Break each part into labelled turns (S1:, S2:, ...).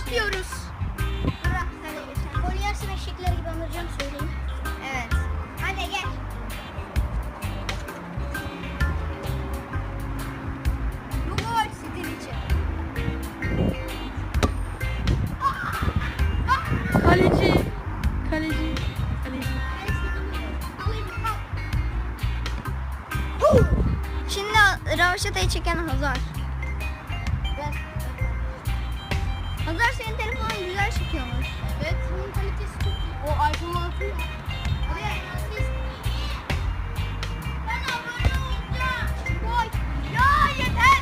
S1: atıyoruz.
S2: Bırak sen de geç. Gol yersin eşekler gibi anlayacağım söyleyeyim.
S1: Evet.
S2: Hadi gel.
S1: Bu gol sizin için. Kaleci. Kaleci. Kaleci. Şimdi Ravaşata'yı çeken Hazar. Hazar senin telefonun güzel çekiyormuş.
S2: Evet, bunun kalitesi çok iyi. O iPhone 6 ya.
S1: Ben abone olacağım. Gol. Ya yeter.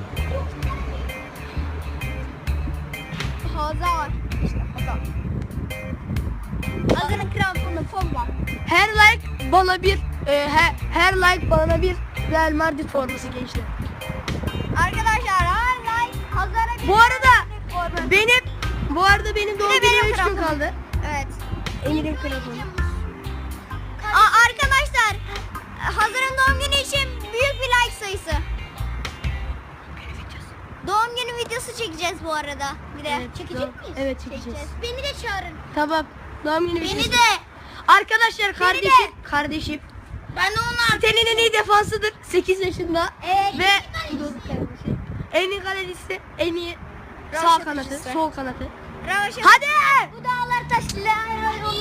S1: Hazar. İşte Hazar. Hazar'ın kramponu forma. Her like bana bir her like bana bir Real Madrid forması gençler. Arkadaşlar her like Hazar'a bir. Bu arada benim doğum günüme 3 gün kaldı. Evet. Emir'in kramponu. Arkadaşlar Hazar'ın doğum günü için büyük bir like sayısı. Doğum günü videosu çekeceğiz bu arada. Bir de
S2: Evet,
S1: çekecek miyiz?
S2: Evet, çekeceğiz.
S1: Beni de çağırın.
S2: Tamam. Doğum günü
S1: Beni
S2: videosu.
S1: de.
S2: Arkadaşlar
S1: Beni de.
S2: kardeşim.
S1: Ben de onlar.
S2: Sitenin en iyi defansıdır. 8 yaşında.
S1: Evet.
S2: Ve en iyi kalecisi, en iyi sağ
S1: Ravaşata
S2: kanatı,
S1: kalecisi.
S2: sol kanatı.
S1: Ravaşata.
S2: Hadi!
S1: Bu dağlar taşlar.